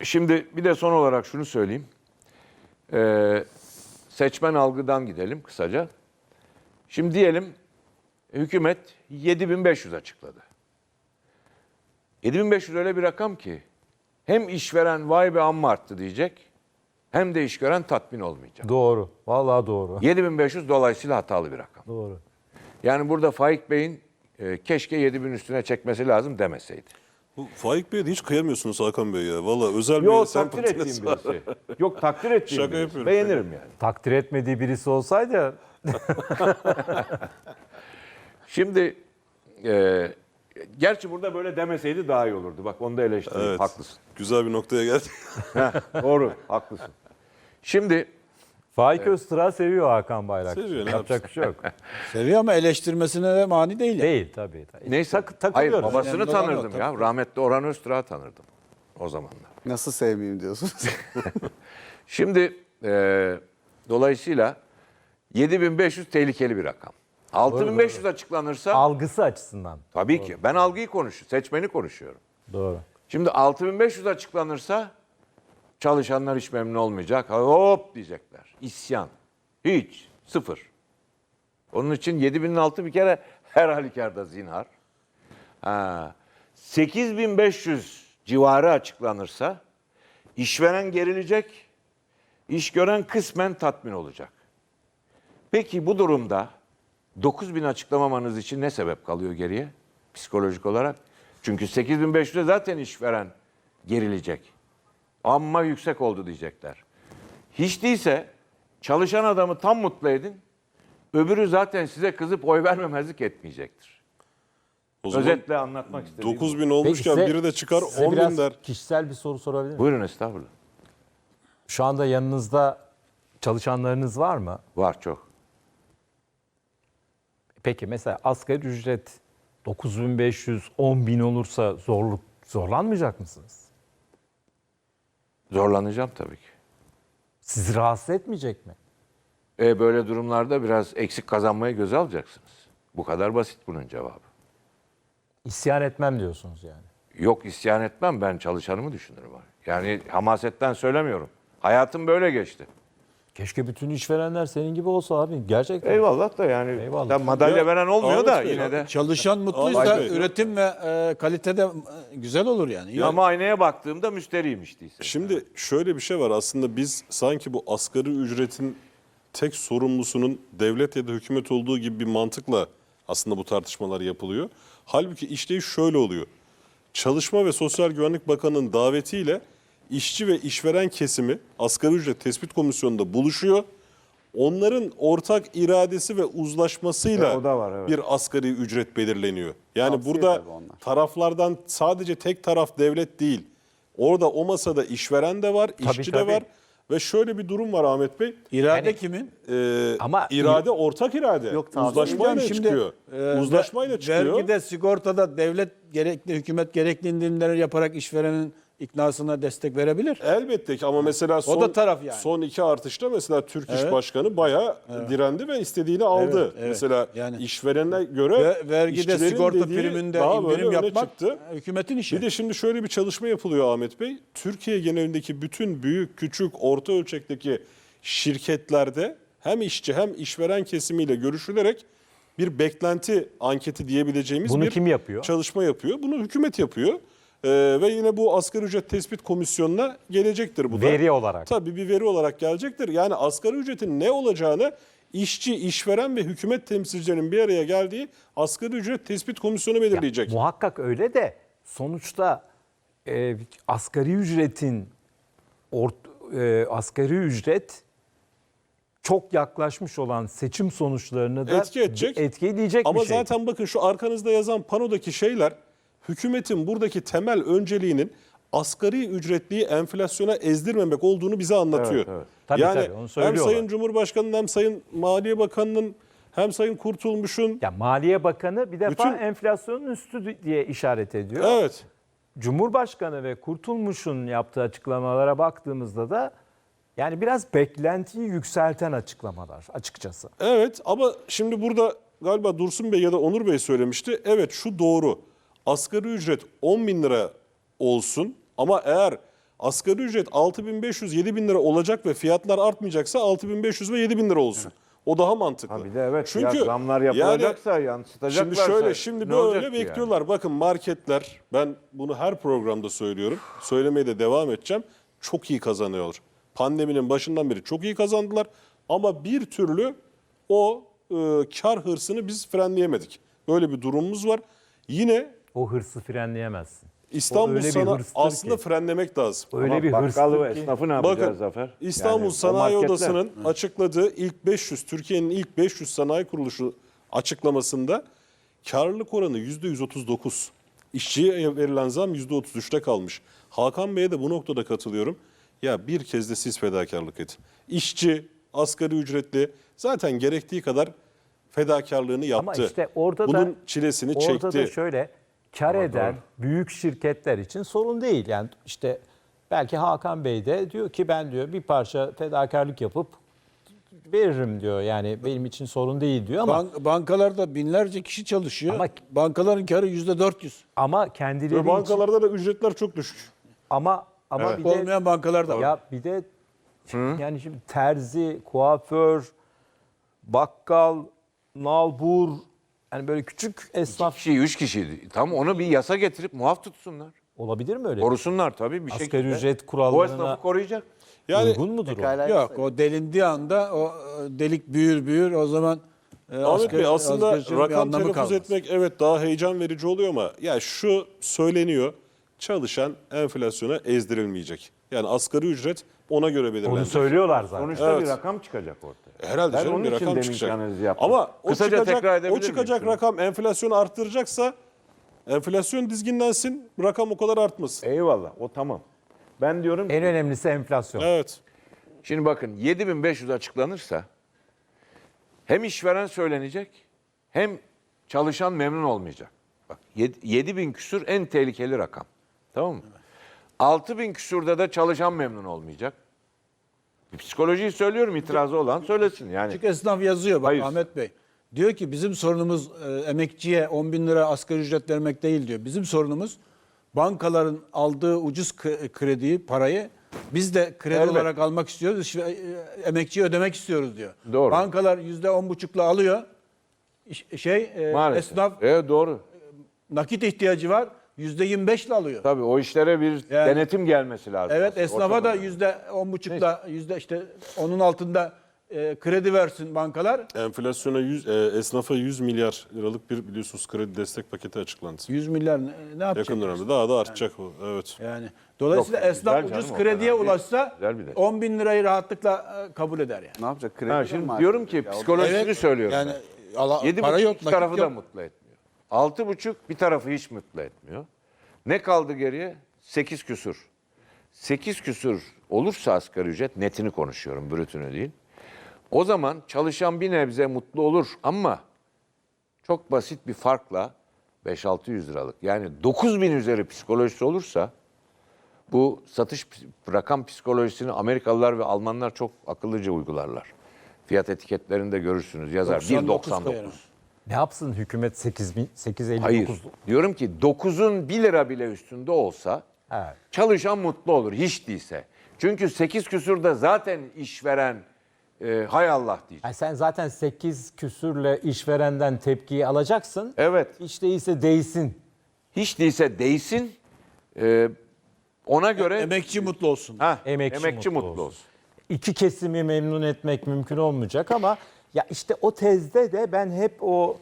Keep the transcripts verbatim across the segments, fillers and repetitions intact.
Şimdi bir de son olarak şunu söyleyeyim. Ee, seçmen algıdan gidelim kısaca. Şimdi diyelim hükümet yedi bin beş yüz açıkladı. yedi bin beş yüz öyle bir rakam ki hem işveren vay be amma arttı diyecek hem de işveren tatmin olmayacak. Doğru. Vallahi doğru. yedi bin beş yüz dolayısıyla hatalı bir rakam. Doğru. Yani burada Faik Bey'in e, keşke yedi bin üstüne çekmesi lazım demeseydi. Bu Faik Bey'e de hiç kıyamıyorsunuz Hakan Bey ya. Valla özel Yok bir takdir sempatiniz ettiğim var. birisi. Yok takdir ettiğim Şaka birisi. yapıyorum, Beğenirim yani. Takdir etmediği birisi olsaydı Şimdi e, gerçi burada böyle demeseydi daha iyi olurdu. Bak onu da eleştireyim. Evet. Haklısın. Güzel bir noktaya geldik. Heh, doğru. Haklısın. Şimdi Faik Öztürk'ü seviyor Hakan Bayrakçı. Seviyor, ne Yapacak bir şey yok. Seviyor ama eleştirmesine de mani değil. yani. Değil tabii. tabii. neyse. Tak- Hayır takılıyoruz. babasını Önemli olan o, tanırdım ya. Rahmetli Orhan Öztürk'ü tanırdım o zamanlar. Nasıl sevmeyeyim diyorsunuz? Şimdi e, dolayısıyla yedi bin beş yüz tehlikeli bir rakam. altı bin beş yüz açıklanırsa Algısı açısından. tabii ki ben algıyı konuşuyorum, seçmeni konuşuyorum. Doğru. Şimdi altı bin beş yüz açıklanırsa çalışanlar hiç memnun olmayacak. Hop diyecekler. İsyan. Hiç. Sıfır. Onun için yedi binin altı bir kere her halükarda zinhar. Ha. sekiz bin beş yüz civarı açıklanırsa işveren gerilecek, iş gören kısmen tatmin olacak. Peki bu durumda dokuz bin açıklamamanız için ne sebep kalıyor geriye psikolojik olarak? Çünkü sekiz bin beş yüze zaten işveren gerilecek. Amma yüksek oldu diyecekler. Hiç değilse çalışan adamı tam mutlu edin. Öbürü zaten size kızıp oy vermemezlik etmeyecektir. O zaman Özetle anlatmak istediğim. dokuz bu. bin olmuşken Peki, biri de çıkar size on biraz bin der. kişisel bir soru sorabilir miyim? Buyurun estağfurullah. Şu anda yanınızda çalışanlarınız var mı? Var çok. Peki mesela asgari ücret dokuz bin beş yüz, on bin olursa zorluk zorlanmayacak mısınız? Zorlanacağım tabii ki. Sizi rahatsız etmeyecek mi? E böyle durumlarda biraz eksik kazanmayı göze alacaksınız. Bu kadar basit bunun cevabı. İsyan etmem diyorsunuz yani. Yok isyan etmem, ben çalışanımı düşünürüm. Yani hamasetten söylemiyorum. Hayatım böyle geçti. Keşke bütün işverenler senin gibi olsa abi. Gerçekten. Eyvallah da yani Eyvallah. tabii madalya Ya, veren olmuyor Ahmet da Bey, yine de. Çalışan mutluysa Vay be. üretim ve e, kalitede e, güzel olur yani. Ya- Ama aynaya baktığımda müşteriyim işte. Şimdi şöyle bir şey var. Aslında biz sanki bu asgari ücretin tek sorumlusunun devlet ya da hükümet olduğu gibi bir mantıkla aslında bu tartışmalar yapılıyor. Halbuki işleyiş şöyle oluyor. Çalışma ve Sosyal Güvenlik Bakanı'nın davetiyle işçi ve işveren kesimi asgari ücret tespit komisyonunda buluşuyor. Onların ortak iradesi ve uzlaşmasıyla E, o da var, evet. bir asgari ücret belirleniyor. Yani Tavsiye burada tabii onlar. taraflardan sadece tek taraf devlet değil. Orada o masada işveren de var, işçi tabii. de var. Ve şöyle bir durum var Ahmet Bey. İrade Yani- kimin? Ee, Ama- irade ortak irade. Yok, tavsiye Uzlaşmayla Hocam şimdi, çıkıyor. e, Uzlaşmayla ve- çıkıyor. Vergide, sigortada devlet gerekli, hükümet gerekli indirimleri yaparak işverenin iknasına destek verebilir. Elbette ki ama mesela son, da taraf yani. son iki artışta mesela Türk İş Evet. Başkanı bayağı direndi ve istediğini aldı. Evet, evet. Mesela Yani- işverene göre Ve vergide, işçilerin sigorta dediği priminde daha böyle indirim öne yapmak çıktı. hükümetin işi. Bir de şimdi şöyle bir çalışma yapılıyor Ahmet Bey. Türkiye genelindeki bütün büyük, küçük, orta ölçekteki şirketlerde hem işçi hem işveren kesimiyle görüşülerek bir beklenti anketi diyebileceğimiz Bunu bir kim yapıyor? çalışma yapıyor. Bunu hükümet yapıyor. Ee, ve yine bu asgari ücret tespit komisyonuna gelecektir bu da. Veri olarak. Tabii bir veri olarak gelecektir. Yani asgari ücretin ne olacağını işçi, işveren ve hükümet temsilcilerinin bir araya geldiği asgari ücret tespit komisyonu belirleyecek. Muhakkak öyle de sonuçta e, asgari ücretin ort, e, asgari ücret çok yaklaşmış olan seçim sonuçlarını da Etki edecek. etkileyecek Ama bir şey. zaten bakın şu arkanızda yazan panodaki şeyler hükümetin buradaki temel önceliğinin asgari ücretliyi enflasyona ezdirmemek olduğunu bize anlatıyor. Evet, evet. Tabii, yani tabii, onu hem söylüyorlar. Sayın Cumhurbaşkanı'nın hem Sayın Maliye Bakanı'nın hem Sayın Kurtulmuş'un Ya Maliye Bakanı bir defa Bütün- enflasyonun üstü diye işaret ediyor. evet Cumhurbaşkanı ve Kurtulmuş'un yaptığı açıklamalara baktığımızda da yani biraz beklentiyi yükselten açıklamalar açıkçası. evet ama şimdi burada galiba Dursun Bey ya da Onur Bey söylemişti. Evet şu doğru. Asgari ücret on bin lira olsun ama eğer Asgari ücret altı bin beş yüz yedi bin lira olacak ve fiyatlar artmayacaksa altı bin beş yüz ve yedi bin lira olsun. O daha mantıklı. Ha bir de evet Çünkü ya zamlar yapılacaksa yansıtacaklarsa. Şimdi şöyle şimdi ne böyle olacak ki bekliyorlar. yani? Bakın marketler, ben bunu her programda söylüyorum. Söylemeye de devam edeceğim. Çok iyi kazanıyorlar. Pandeminin başından beri çok iyi kazandılar. Ama bir türlü o e, kar hırsını biz frenleyemedik. Böyle bir durumumuz var. Yine O hırsı frenleyemezsin. O İstanbul öyle bir sana hırstır aslında ki. frenlemek lazım. Öyle Ama bir bakkal ve hırstır ki. esnafı ne yapacağız Bakın Zafer? İstanbul Yani o Sanayi marketler- Odası'nın açıkladığı ilk beş yüz, Türkiye'nin ilk beş yüz sanayi kuruluşu açıklamasında karlılık oranı yüzde yüz otuz dokuz. İşçiye verilen zam yüzde otuz üçte kalmış. Hakan Bey'e de bu noktada katılıyorum. Ya bir kez de siz fedakarlık edin. İşçi, asgari ücretli zaten gerektiği kadar fedakarlığını yaptı. Ama işte orada Bunun da çilesini orada çekti. da şöyle kar eden büyük şirketler için sorun değil. Yani işte belki Hakan Bey de diyor ki ben diyor bir parça fedakarlık yapıp veririm diyor. Yani benim için sorun değil diyor ama Bank, bankalarda binlerce kişi çalışıyor. Ama- Bankaların karı yüzde dört yüz. ama kendileri Ve için bankalarda da ücretler çok düşük. ama ama bir de Olmayan bankalar da var. ya bir de yani şimdi terzi, kuaför, bakkal, nalbur yani böyle küçük esnaf Kişi, üç kişiydi. Tam onu bir yasa getirip muaf tutsunlar. olabilir mi öyle? Korusunlar tabii bir Asgari şekilde. ücret O kurallarına esnafı koruyacak. Yani Uygun mudur o? Pekala Yok yasa- o delindiği anda o e, delik büyür büyür o zaman e, Ahmet asgari- Bey aslında asgari ücretin bir rakam anlamı telaffuz kalmaz. etmek evet daha heyecan verici oluyor ama ya şu söyleniyor. Çalışan enflasyona ezdirilmeyecek. Yani asgari ücret ona göre Onu belirlenecek. söylüyorlar zaten. Sonuçta Evet. bir rakam çıkacak ortaya. Herhalde Ben canım onun bir için rakam deminki çıkacak. analizi yaptım. Ama o Kısaca çıkacak, tekrar edebilir o miyim çıkacak şunu? rakam enflasyonu arttıracaksa enflasyon dizginlensin, rakam o kadar artmasın. Eyvallah o tamam. Ben diyorum ki En önemlisi enflasyon. Evet. şimdi bakın yedi bin beş yüz açıklanırsa hem işveren söylenecek hem çalışan memnun olmayacak. Bak yedi bin küsür en tehlikeli rakam. Tamam mı? altı bin küsürde de çalışan memnun olmayacak. Psikolojiyi söylüyorum, itirazı olan söylesin. Yani Küçük esnaf yazıyor bak Hayır. Ahmet Bey. Diyor ki bizim sorunumuz e, emekçiye on bin lira asgari ücret vermek değil diyor. Bizim sorunumuz bankaların aldığı ucuz k- krediyi, parayı biz de kredi Elbet. olarak almak istiyoruz. İşte, e, emekçiye ödemek istiyoruz diyor. Doğru. Bankalar yüzde on buçukla alıyor. İş- Şey e, maalesef. esnaf Evet doğru. nakit ihtiyacı var. Yüzde yirmi beşle alıyor. Tabii o işlere bir Yani- denetim gelmesi lazım. Evet aslında. esnafa Ortada. da yüzde on buçukla yüzde işte onun altında e, kredi versin bankalar. Enflasyona yüz, e, esnafa yüz milyar liralık bir biliyorsunuz kredi destek paketi açıklandı. yüz milyar ne, ne yapacak? Yakın dönemde daha da artacak o. Evet. Yani dolayısıyla Yok, esnaf güzel ucuz canım, o krediye kadar değil. ulaşsa Güzel bir de. on bin lirayı rahatlıkla e, kabul eder yani. Ne yapacak? Kredi Ha, mi şimdi maaş diyorum ki verecek ya? psikolojisini Evet, söylüyorum. yani ben. ala- Yedi para buçuk yok, iki nakit tarafı da yok. mutlu etmiyor. Altı buçuk bir tarafı hiç mutlu etmiyor. Ne kaldı geriye? Sekiz küsür. Sekiz küsür olursa asgari ücret, netini konuşuyorum, brütünü değil. O zaman çalışan bir nebze mutlu olur ama çok basit bir farkla beş altı yüz liralık. Yani dokuz bin üzeri psikolojisi olursa bu satış ps- rakam psikolojisini Amerikalılar ve Almanlar çok akıllıca uygularlar. Fiyat etiketlerinde görürsünüz yazar doksan bir dokuz doksan koyarım. dokuz. Ne yapsın hükümet sekiz bin sekiz elli Hayır. dokuz? Diyorum ki dokuzun bir lira bile üstünde olsa Evet. çalışan mutlu olur hiç değilse. Çünkü sekiz küsürde zaten işveren e, hay Allah diyecek. Yani sen zaten sekiz küsürle işverenden tepkiyi alacaksın. Evet. Hiç değilse değsin. Hiç değilse değsin. e, ona göre Emekçi mutlu olsun. ha, Emekçi emekçi, mutlu mutlu, olsun. olsun. İki kesimi memnun etmek mümkün olmayacak ama ya işte o tezde de ben hep o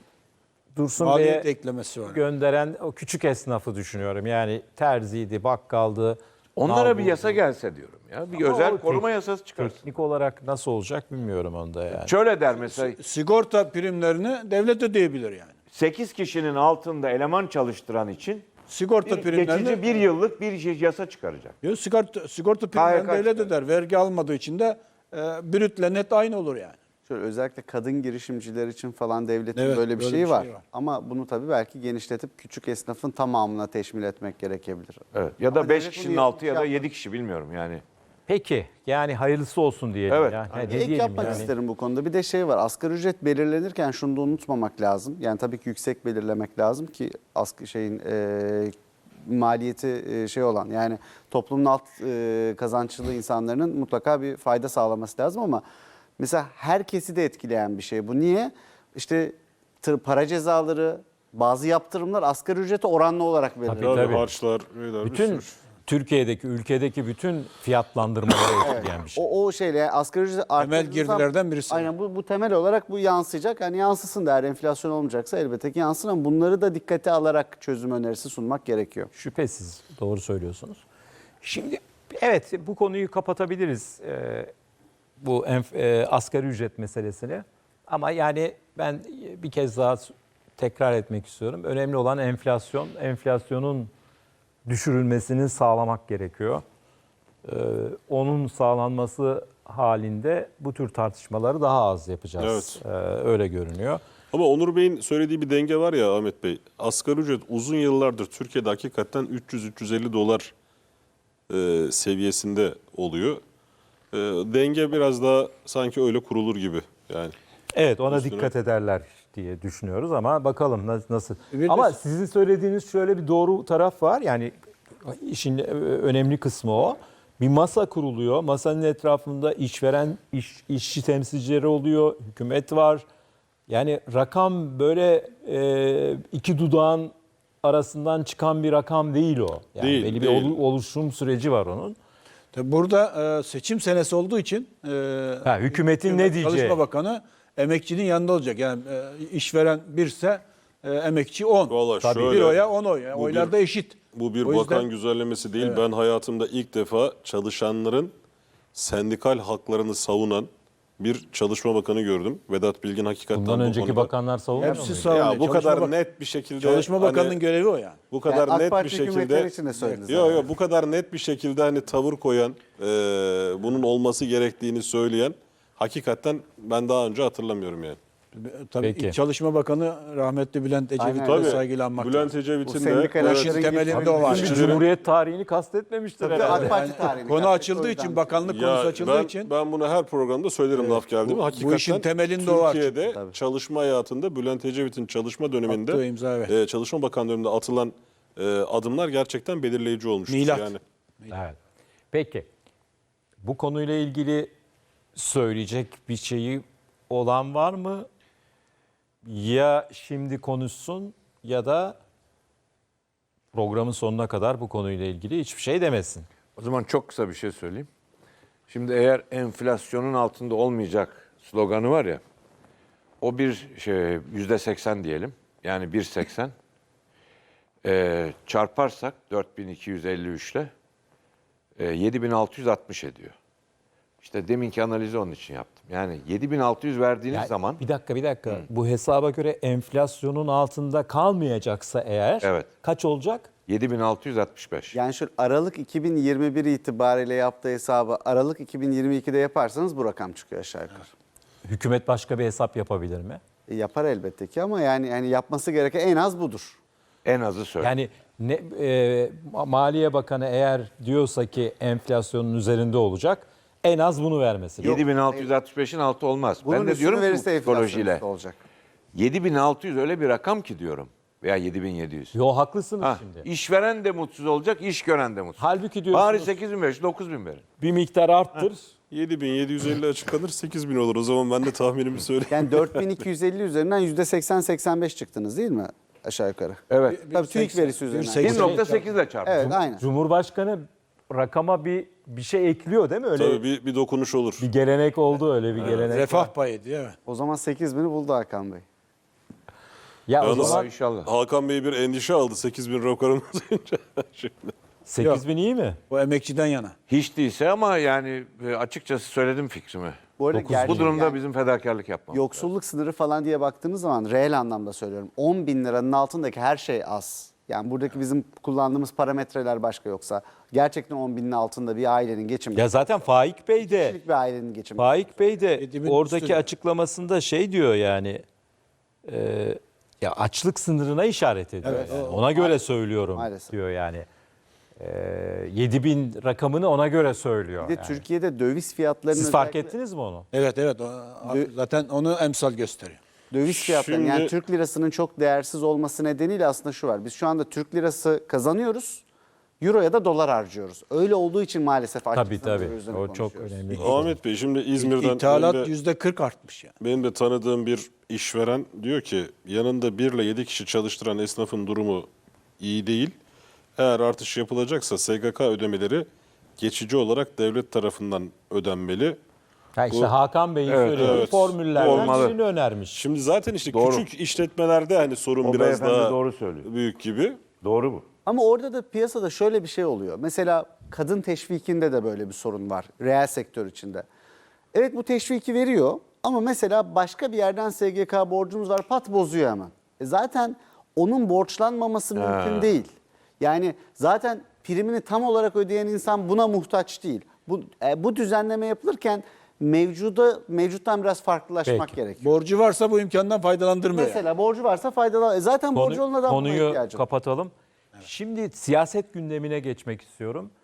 Dursun Maliyet Bey'e eklemesi var. gönderen o küçük esnafı düşünüyorum. Yani terziydi, bakkaldı. Onlara bir nalburdu. yasa gelse diyorum ya. Bir Ama özel o koruma tek- yasası çıkarsın. Teknik olarak nasıl olacak bilmiyorum onda yani. Şöyle der mesela Sigorta primlerini devlet ödeyebilir yani. sekiz kişinin altında eleman çalıştıran için Sigorta bir primlerini geçici bir yıllık bir şey- yasa çıkaracak. Yok, sigorta, sigorta primlerini K Y K devlet çıkar. öder. Vergi almadığı için de e, brütle net aynı olur yani. Şöyle özellikle kadın girişimciler için falan devletin Evet, böyle bir böyle şeyi bir var. şey var. Ama bunu tabii belki genişletip küçük esnafın tamamına teşmil etmek gerekebilir. Evet. Ya da Ama beş devlet kişinin bunu altı ya da yapmış yedi kişi bilmiyorum yani. Peki yani hayırlısı olsun diyelim Evet. ya. Ne Ek diyelim yapmak yani? isterim bu konuda. Bir de şey var. Asgari ücret belirlenirken şunu da unutmamak lazım. Yani tabii ki yüksek belirlemek lazım ki asgari şeyin e, maliyeti e, şey olan, yani toplumun alt e, kazançlı insanların mutlaka bir fayda sağlaması lazım ama mesela herkesi de etkileyen bir şey bu. Niye? İşte tır- para cezaları, bazı yaptırımlar asgari ücrete oranlı olarak verilir. Tabii, Tabii. harçlar, şeyler, bir Bütün sürü. Türkiye'deki, ülkedeki bütün fiyatlandırmaları etkileyen bir şey. O, o şeyle yani asgari ücret arttırdığınız zaman- girdilerden birisi. Aynen bu, bu temel olarak bu yansıyacak. Yani yansısın da eğer enflasyon olmayacaksa elbette ki yansın ama bunları da dikkate alarak çözüm önerisi sunmak gerekiyor. Şüphesiz doğru söylüyorsunuz. Şimdi evet bu konuyu kapatabiliriz. Ee, bu enf- e, asgari ücret meselesini. Ama yani ben bir kez daha tekrar etmek istiyorum. Önemli olan enflasyon. Enflasyonun düşürülmesini sağlamak gerekiyor. Ee, onun sağlanması halinde bu tür tartışmaları daha az yapacağız. Ee, öyle görünüyor. Ama Onur Bey'in söylediği bir denge var ya Ahmet Bey. Asgari ücret uzun yıllardır Türkiye'de hakikaten üç yüz üç yüz elli dolar e, seviyesinde oluyor. E, denge biraz daha sanki öyle kurulur gibi yani. Evet ona Üstüne- dikkat ederler diye düşünüyoruz ama bakalım nasıl. nasıl. Bir de- Ama sizin söylediğiniz şöyle bir doğru taraf var. Yani işin önemli kısmı o. Bir masa kuruluyor. Masanın etrafında işveren, iş, işçi temsilcileri oluyor. Hükümet var. Yani rakam böyle e, iki dudağın arasından çıkan bir rakam değil o. Yani Değil, belli değil. bir olu- oluşum süreci var onun. Tabii burada e, seçim senesi olduğu için e, Ha, hükümetin ne diyeceği. Çalışma Bakanı emekçinin yanında olacak. Yani e, işveren birse e, emekçi on. Vallahi Tabii şöyle, bir oya on oy. Yani bu oylar bir- da eşit. Bu bir O yüzden- bakan güzellemesi değil. Ben hayatımda ilk defa çalışanların sendikal haklarını savunan bir çalışma bakanı gördüm. Vedat Bilgin hakikaten Bundan bu önceki konuda- bakanlar savunuyor Hepsi muydu? savunuyor. Ya bu Çalışma kadar Bak- net bir şekilde Çalışma hani- Bakanı'nın görevi o yani. bu kadar Yani AK net bir Parti hükümetleri şekilde için de söyledi Yok zaten. yok bu kadar net bir şekilde hani tavır koyan, e, bunun olması gerektiğini söyleyen hakikaten ben daha önce hatırlamıyorum yani. Tabii Peki. ilk Çalışma Bakanı rahmetli Bülent Aynen. Ecevit'e Tabii. saygıyla anmak Bülent lazım. Ecevit'in Bu de sendikal evet, hakların temelinde geçtiği- o var. Şimdi İşçilerin- Cumhuriyet tarihini kastetmemiştir Tabii herhalde. AK Parti tarihini Konu kastettik, açıldığı o için, yüzden. bakanlık Ya konusu açıldığı ben, için ben bunu her programda söylerim laf geldi mi? bu- bu Hakikaten işin temelinde o var Türkiye'de çünkü. Tabii. çalışma hayatında Bülent Ecevit'in çalışma döneminde Attığı imza, evet. e, Çalışma Bakan döneminde atılan e, adımlar gerçekten belirleyici olmuştur. Milat. Yani. Evet. Peki. Bu konuyla ilgili söyleyecek bir şeyi olan var mı? Ya şimdi konuşsun ya da programın sonuna kadar bu konuyla ilgili hiçbir şey demesin. O zaman çok kısa bir şey söyleyeyim. Şimdi eğer enflasyonun altında olmayacak sloganı var ya, o bir şey yüzde seksen diyelim. Yani bir virgül seksen. Ee, çarparsak dört bin iki yüz elli üç ile e, yedi bin altı yüz altmış ediyor. İşte deminki analizi onun için yaptım. Yani yedi bin altı yüz verdiğiniz Yani zaman bir dakika bir dakika. Bu hesaba göre enflasyonun altında kalmayacaksa eğer Evet. kaç olacak? yedi bin altı yüz altmış beş. Yani şu Aralık iki bin yirmi bir itibariyle yaptığı hesabı Aralık iki bin yirmi ikide yaparsanız bu rakam çıkıyor aşağı yukarı. Hükümet başka bir hesap yapabilir mi? E, yapar elbette ki ama yani yani yapması gereken en az budur. En azı söyle. Yani ne, e, Maliye Bakanı eğer diyorsa ki enflasyonun üzerinde olacak en az bunu vermesi lazım. yedi bin altı yüz altmış beşin altı olmaz. Bunun ben de üstünü diyorum ki bu verirse enflasyon psikolojiyle. üstü olacak. yedi bin altı yüz öyle bir rakam ki diyorum. Veya yedi bin yedi yüz. Yo haklısınız Ha, şimdi. işveren de mutsuz olacak, iş gören de mutsuz. Halbuki diyorsunuz Bari sekiz bin beş yüz, dokuz bin verin. bir miktar arttır. yedi bin yedi yüz elli açıklanır sekiz bin olur. O zaman ben de tahminimi söyleyeyim. Yani dört bin iki yüz elli üzerinden yüzde seksen seksen beş çıktınız değil mi aşağı yukarı? Evet. Tabii TÜİK verisi üzerinden. seksen- bir nokta sekiz ile çarpın. Evet aynen. Cumhurbaşkanı rakama bir bir şey ekliyor değil mi? Öyle Tabii bir, bir dokunuş olur. bir gelenek oldu öyle bir gelenek. refah payı diye. Evet. O zaman sekiz bini buldu Hakan Bey. Ya o Yalnız- zaman İnşallah. Hakan Bey bir endişe aldı sekiz bin rakamını duyunca. Şimdi. sekiz bin iyi mi? O emekçiden yana. Hiç değilse ama yani e, açıkçası söyledim fikrimi. Bu, arada Dokuz- gerçek- Bu durumda yani bizim fedakarlık yapmamız. yoksulluk sınırı falan diye baktığınız zaman reel anlamda söylüyorum. on bin liranın altındaki her şey az. Yani buradaki bizim kullandığımız parametreler başka yoksa. Gerçekten on binin altında bir ailenin geçimi. Ya zaten Faik Bey de Kişilik bir ailenin geçimi. Faik Bey de Yedi bin oradaki üstü. açıklamasında şey diyor yani e, ya açlık sınırına işaret ediyor. Evet, yani. o- Ona göre söylüyorum Maalesef. diyor yani. E, yedi bin rakamını ona göre söylüyor. Bir de yani. Türkiye'de döviz fiyatlarının Siz fark özellikle- ettiniz mi onu? Evet evet. O, zaten onu emsal gösteriyor. Döviz fiyatları yani Şimdi- Türk lirasının çok değersiz olması nedeniyle aslında şu var. Biz şu anda Türk lirası kazanıyoruz. Euro ya da dolar harcıyoruz. Öyle olduğu için maalesef Tabii açlık sınırı tabii. üzerine O çok konuşuyoruz. önemli. Ahmet Bey şimdi İzmir'den İthalat benim de, yüzde kırk artmış yani. benim de tanıdığım bir işveren diyor ki yanında bir ile yedi kişi çalıştıran esnafın durumu iyi değil. Eğer artış yapılacaksa S G K ödemeleri geçici olarak devlet tarafından ödenmeli. Ha işte Bu- Hakan Bey'in Evet, söylediği evet. formüllerden Olmalı. birini önermiş. Şimdi zaten işte Doğru. küçük işletmelerde hani sorun O biraz beyefendi daha doğru söylüyor. büyük gibi. Doğru bu. Ama orada da piyasada şöyle bir şey oluyor. Mesela kadın teşvikinde de böyle bir sorun var. Reel sektör içinde. Evet bu teşviki veriyor ama mesela başka bir yerden S G K borcumuz var pat bozuyor hemen. E zaten onun borçlanmaması mümkün değil. Yani zaten primini tam olarak ödeyen insan buna muhtaç değil. Bu, e, bu düzenleme yapılırken mevcuda mevcuttan biraz farklılaşmak Peki. gerekiyor. Borcu varsa bu imkandan faydalandırmıyor. Mesela borcu varsa faydalan. E zaten borcu olan adam buna Konuyu ihtiyacı var. kapatalım. Şimdi siyaset gündemine geçmek istiyorum.